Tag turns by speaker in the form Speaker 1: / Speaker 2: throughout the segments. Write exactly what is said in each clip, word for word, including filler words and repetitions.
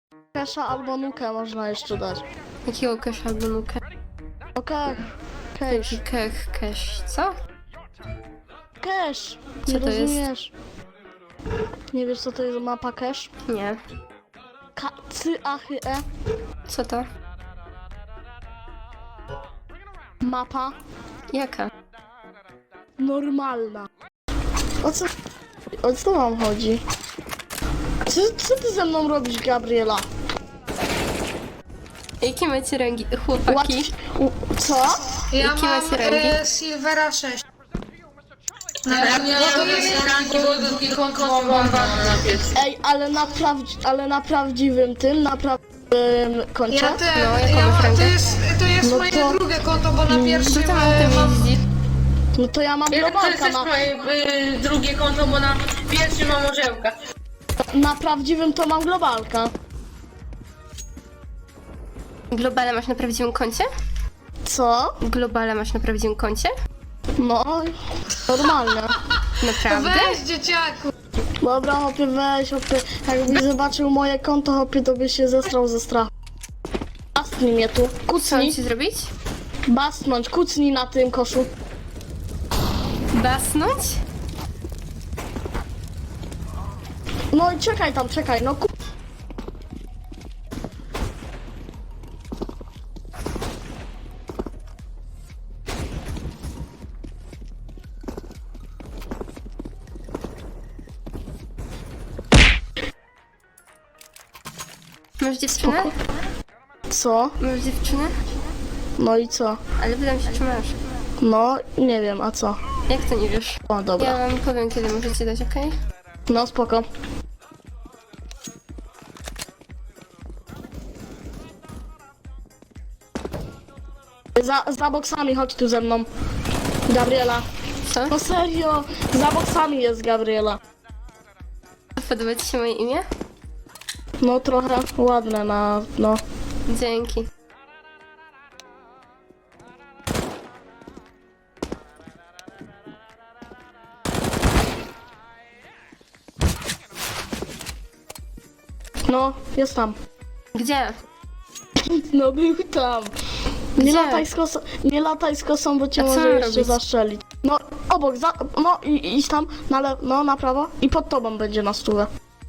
Speaker 1: Kesha albo nukę można jeszcze dać.
Speaker 2: Jakiego cash albo nukę?
Speaker 1: Okej. Cash.
Speaker 2: Kech, cash. Co?
Speaker 1: Cash.
Speaker 2: Co
Speaker 1: Nie
Speaker 2: to jest?
Speaker 1: rozumiesz. Nie wiesz co to jest mapa cash?
Speaker 2: Nie.
Speaker 1: K C A H E.
Speaker 2: Co to?
Speaker 1: Mapa
Speaker 2: Jaka?
Speaker 1: normalna. O co? O co wam chodzi? Co, co ty ze mną robisz, Gabriela?
Speaker 2: Jakie macie rangi, chłopaki?
Speaker 1: Łatw... U, co?
Speaker 3: Ja
Speaker 2: Jakie
Speaker 3: mam
Speaker 2: macie rangi?
Speaker 3: e, Silvera sześć.
Speaker 4: No, ja nie mam ranki, bo drugi konto mam na piec.
Speaker 1: Ej, ale na, prawdzi- ale na prawdziwym tym, na prawdziwym koncie?
Speaker 3: Ja te,
Speaker 2: No, jaką
Speaker 3: ja,
Speaker 2: masz
Speaker 3: to
Speaker 2: rangę?
Speaker 3: jest, to jest
Speaker 1: No
Speaker 3: moje
Speaker 1: to-
Speaker 3: drugie konto, bo na pierwszym
Speaker 2: Co tam na
Speaker 3: e,
Speaker 2: tym
Speaker 3: mam...
Speaker 2: jeździ?
Speaker 1: No to ja mam
Speaker 4: Ja to
Speaker 1: globalka
Speaker 4: jest też
Speaker 1: na,
Speaker 4: moje y, drugie konto, bo na pierwszym mam orzełka.
Speaker 1: na prawdziwym to mam globalka.
Speaker 2: Globale masz na prawdziwym koncie?
Speaker 1: Co?
Speaker 2: Globale masz na prawdziwym koncie?
Speaker 1: No, normalnie.
Speaker 2: Naprawdę?
Speaker 3: Weź dzieciaku!
Speaker 1: Dobra, hopie, weź, hopie. Jakbyś zobaczył moje konto, hopie, to byś się zestrał ze strachu. Bastnij mnie tu,
Speaker 2: Co mam
Speaker 1: kucnij,
Speaker 2: ci zrobić?
Speaker 1: bastnąć, kucnij na tym koszu.
Speaker 2: Basnąć?
Speaker 1: No i czekaj tam, czekaj, no ku...
Speaker 2: Masz dziewczynę?
Speaker 1: Co?
Speaker 2: Masz dziewczynę?
Speaker 1: No i co?
Speaker 2: Ale pytam się, czy masz.
Speaker 1: No, nie wiem, a co?
Speaker 2: Jak to nie wiesz?
Speaker 1: O, dobra.
Speaker 2: Ja wam powiem, kiedy możecie dać, okej?
Speaker 1: No, spoko. Za, za boksami chodź tu ze mną. Gabriela.
Speaker 2: Co?
Speaker 1: No serio, za boksami jest Gabriela.
Speaker 2: Podoba ci się moje imię?
Speaker 1: No trochę ładne na, no.
Speaker 2: Dzięki.
Speaker 1: No, jest tam.
Speaker 2: Gdzie?
Speaker 1: No był tam. Nie
Speaker 2: Gdzie?
Speaker 1: lataj z kosą, nie lataj z kosą, bo cię
Speaker 2: A co
Speaker 1: może
Speaker 2: mam
Speaker 1: jeszcze
Speaker 2: robić?
Speaker 1: zastrzelić. No, obok, za, no i idź tam, na le, no na prawo i pod tobą będzie na stówę.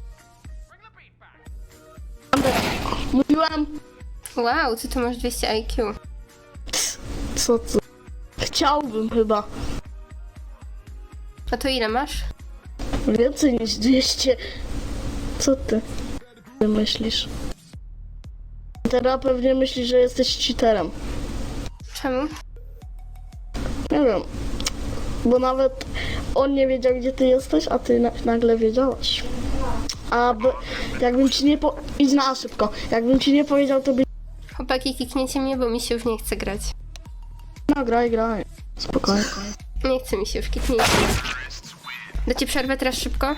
Speaker 1: Mówiłem,
Speaker 2: Wow, ty tu masz dwieście I Q.
Speaker 1: co ty? Chciałbym chyba.
Speaker 2: A to ile masz?
Speaker 1: Więcej niż dwieście. Co ty? Ty myślisz? Teraz pewnie myślisz, że jesteś cheaterem.
Speaker 2: Czemu?
Speaker 1: Nie wiem. Bo nawet on nie wiedział, gdzie ty jesteś, a ty na nagle wiedziałaś. A b- jakbym ci nie po... Idź na A szybko. Jakbym ci nie powiedział, to by...
Speaker 2: Chłopaki, kikniecie mnie, bo mi się już nie chce grać.
Speaker 1: No graj, graj. Spokojnie.
Speaker 2: Nie chce mi się już, kiknijcie mnie. Dacie przerwę teraz szybko?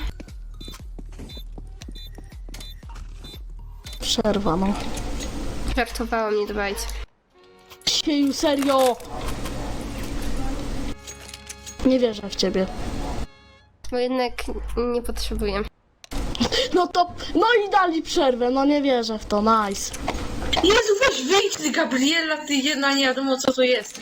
Speaker 1: Przerwa, no.
Speaker 2: Żartowałam, nie dbajcie.
Speaker 1: Sieju, serio! Nie wierzę w ciebie.
Speaker 2: Bo jednak nie potrzebuję.
Speaker 1: No to... No i dali przerwę, no nie wierzę w to, nice.
Speaker 4: Jezu, weź wyjdź ty, Gabriela, ty jedna nie wiadomo co to jest.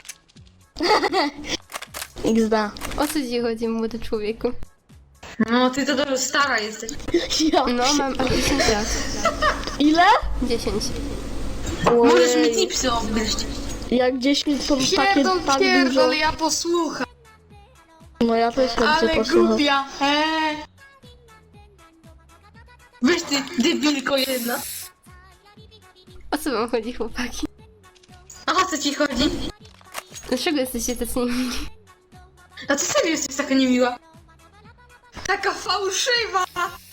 Speaker 1: iks de.
Speaker 2: O co ci chodzi, młody człowieku?
Speaker 4: No, ty to dobrze stara jesteś.
Speaker 1: Ja
Speaker 2: No,
Speaker 1: pie-
Speaker 2: mam dziesięć lat.
Speaker 1: Ile?
Speaker 2: dziesięć.
Speaker 4: Możesz mi
Speaker 1: Ojej.
Speaker 4: tipsy obgryźć.
Speaker 1: Jak dziesięć to takie
Speaker 3: Pierdol,
Speaker 1: tak dużo.
Speaker 3: pierdol, ja posłucham.
Speaker 1: No ja też chętnie
Speaker 3: Ale
Speaker 1: posłucham.
Speaker 3: głupia, he.
Speaker 4: Weź ty, debilko jedna.
Speaker 2: O co wam chodzi, chłopaki?
Speaker 4: A o co ci chodzi?
Speaker 2: Dlaczego jesteście tacy niemili?
Speaker 4: A ty serio jesteś taka niemiła?
Speaker 3: Taka fałszywa.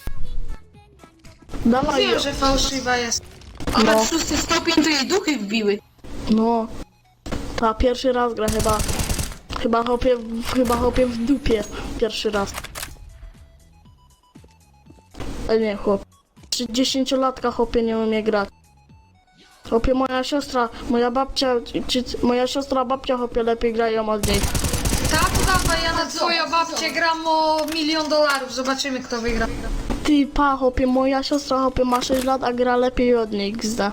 Speaker 1: Dawaj,
Speaker 3: Wiem, że fałszywa jest.
Speaker 4: Ona
Speaker 1: No.
Speaker 4: w szósty stopień to jej duchy wbiły.
Speaker 1: no. Ta pierwszy raz gra chyba. Chyba hopie, chyba hopie w dupie. Pierwszy raz. E nie, chłop. Dziesięciolatka hopie nie umie grać. Hopie moja siostra, moja babcia, czy, moja siostra babcia hopie lepiej grają od niej.
Speaker 3: Tak, dawaj, ja na twoją babcię gram o milion dolarów. Zobaczymy, kto wygra.
Speaker 1: Ty, pa, hopie, moja siostra, hopie, ma sześć lat, a gra lepiej od niej, gzda.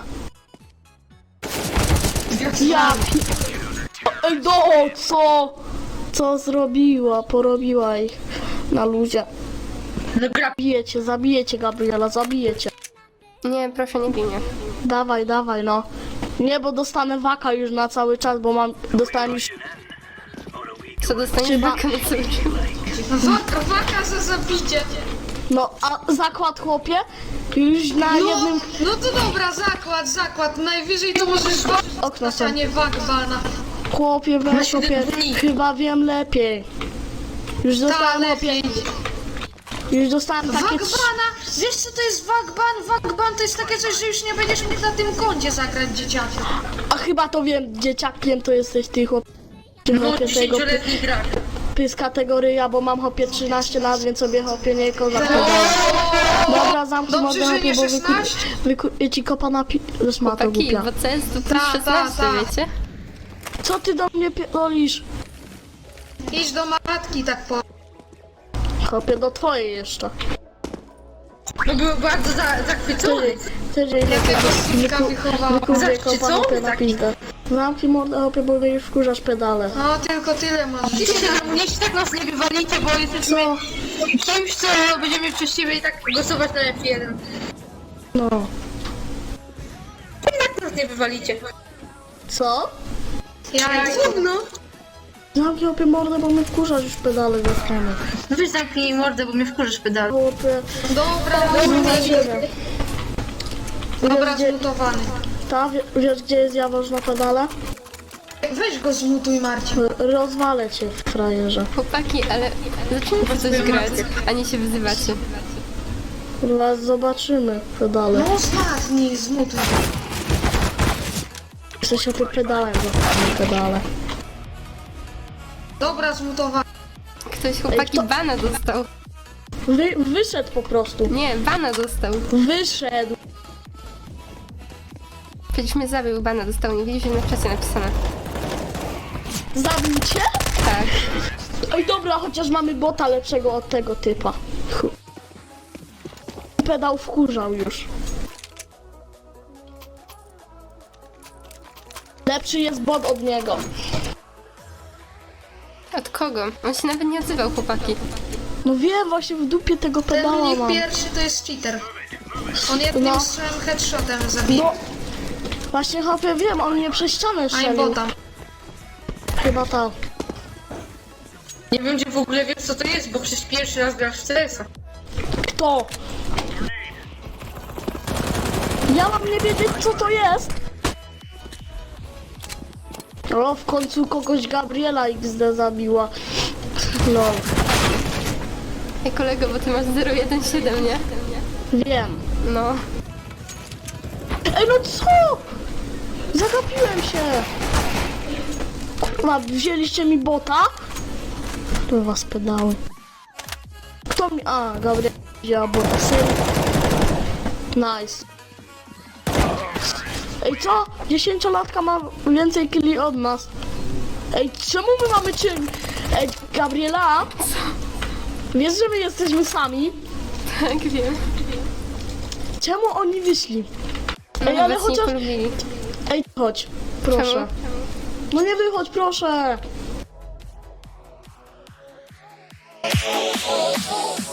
Speaker 1: Ja pi... Ej, no, co? Co zrobiła? Porobiła ich na luzie.
Speaker 4: No gra.
Speaker 1: Zabijecie, zabijecie, Gabriela, zabijecie.
Speaker 2: Nie, proszę, nie bij mnie.
Speaker 1: Dawaj, dawaj, no. Nie, bo dostanę waka już na cały czas, bo mam... Dostałem już...
Speaker 2: Co dostaniesz
Speaker 1: Trzeba-
Speaker 2: baka na cały czas?
Speaker 3: Waka, waka za zabicie.
Speaker 1: No, a zakład, chłopie? Już na
Speaker 3: No,
Speaker 1: jednym...
Speaker 3: no to dobra, zakład, zakład. Najwyżej to możesz
Speaker 1: Okno
Speaker 3: a
Speaker 1: są.
Speaker 3: nie wakbana.
Speaker 1: Chłopie, weź,
Speaker 4: siedem
Speaker 1: chłopie,
Speaker 4: dni.
Speaker 1: chyba wiem lepiej. Już
Speaker 3: Ta,
Speaker 1: dostałem, chłopie,
Speaker 3: lepiej.
Speaker 1: już dostałem takie... trz-
Speaker 3: Wakbana! Wiesz co to jest wakban? Wakban to jest takie coś, że już nie będziesz mógł na tym koncie zagrać dzieciakiem.
Speaker 1: A chyba to wiem, dzieciakiem to jesteś ty, chłopie.
Speaker 4: No,
Speaker 1: Chłopie, tego
Speaker 4: dziesięcioletni gracz.
Speaker 1: pys kategoria, bo mam hopie trzynaście lat, więc sobie hopie nie koza. Dobra, zamknij
Speaker 3: Dobrze,
Speaker 1: mordę,
Speaker 3: że
Speaker 1: hopie,
Speaker 3: nie
Speaker 1: bo wykupię
Speaker 3: szesnaście?
Speaker 1: wyku- ci kopa na pi... Szmato
Speaker 2: Taki,
Speaker 1: głupia.
Speaker 2: bo C S to
Speaker 3: Ta,
Speaker 2: plus
Speaker 3: ta,
Speaker 2: szesnaście,
Speaker 3: ta.
Speaker 2: wiecie?
Speaker 1: Co ty do mnie pierdolisz?
Speaker 3: Idź do matki tak po...
Speaker 1: Hopie, do twojej jeszcze.
Speaker 4: No był bardzo za, zachwycony.
Speaker 1: Tydzień
Speaker 3: Jakiego synka
Speaker 1: wyku-
Speaker 3: wychowała?
Speaker 1: wykupię
Speaker 4: Zawsze
Speaker 1: kopa
Speaker 4: co?
Speaker 1: hopie na
Speaker 4: Taki-
Speaker 1: pizdę. Zamknij mordę, hopie, bo mnie już wkurzasz pedale.
Speaker 3: No tylko tyle masz.
Speaker 4: Niech tak nas nie wywalicie, bo jesteśmy
Speaker 1: Co?
Speaker 4: kimś, co będziemy przez siebie i tak głosować na F jeden.
Speaker 1: No.
Speaker 4: Tak nas nie wywalicie.
Speaker 1: Co?
Speaker 3: Ja
Speaker 4: No.
Speaker 1: Zamknij hopie mordę, bo mnie wkurzasz już pedale ze strony.
Speaker 4: No weź zamknij mordę, bo mnie wkurzysz pedał.
Speaker 1: Hopie,
Speaker 3: Dobra,
Speaker 1: zobaczymy.
Speaker 3: dobra,
Speaker 1: gdzie-
Speaker 3: zmutowany.
Speaker 1: Ta, wie- wiesz gdzie jest Jawoż na pedale?
Speaker 3: Weź go zmutuj, Marcin.
Speaker 1: R- Rozwalę cię, frajerze.
Speaker 2: Chłopaki, ale zacznijcie coś grać, a nie się wyzywacie.
Speaker 1: Kurwa, zobaczymy pedale.
Speaker 3: No ostatni, zmutuj.
Speaker 1: Chcę się tym pedałem, zobaczymy pedale.
Speaker 3: Dobra, zmutowany.
Speaker 2: Ktoś, chłopaki,
Speaker 1: to-
Speaker 2: bana dostał.
Speaker 1: Wy, wyszedł po prostu.
Speaker 2: Nie, bana dostał.
Speaker 1: Wyszedł.
Speaker 2: Przecież mnie zabił, bana dostał, nie widzisz, że na czasie napisane.
Speaker 1: Zabił cię?
Speaker 2: Tak.
Speaker 1: Oj dobra, chociaż mamy bota lepszego od tego typa. Chu. Pedał wkurzał już. Lepszy jest bot od niego.
Speaker 2: Od kogo? On się nawet nie odzywał, chłopaki.
Speaker 1: No wiem, właśnie w dupie tego
Speaker 3: Ten u
Speaker 1: pedała
Speaker 3: nich
Speaker 1: mam.
Speaker 3: pierwszy to jest cheater. On jednym
Speaker 1: No.
Speaker 3: strzałem headshotem zabije.
Speaker 1: No. Właśnie hopie wiem, on mnie przez ścianę
Speaker 3: A i
Speaker 1: strzelił.
Speaker 3: bota.
Speaker 1: Chyba tak.
Speaker 4: Nie wiem, czy w ogóle wiesz, co to jest, bo przecież pierwszy raz grasz w C S a.
Speaker 1: Kto? Ja mam nie wiedzieć co to jest. O, w końcu kogoś Gabriela X D zabiła. No,
Speaker 2: Ej, kolego, bo ty masz zero jeden siedem, nie?
Speaker 1: wiem.
Speaker 2: No.
Speaker 1: Ej, no co? Zagapiłem się. Kurwa, wzięliście mi bota? To was pedały. Kto mi... A, Gabriela wzięła bota. Syn. Nice. Ej, co? Dziesięciolatka ma więcej killi od nas. Ej, czemu my mamy czym? Ej, Gabriela? Wiesz, że my jesteśmy sami?
Speaker 2: Tak, wiem.
Speaker 1: Czemu oni wyszli?
Speaker 2: No,
Speaker 1: Ej, ale
Speaker 2: was nie
Speaker 1: chociaż...
Speaker 2: polubili.
Speaker 1: Ej, chodź, proszę.
Speaker 2: Czemu?
Speaker 1: No nie wychodź, proszę.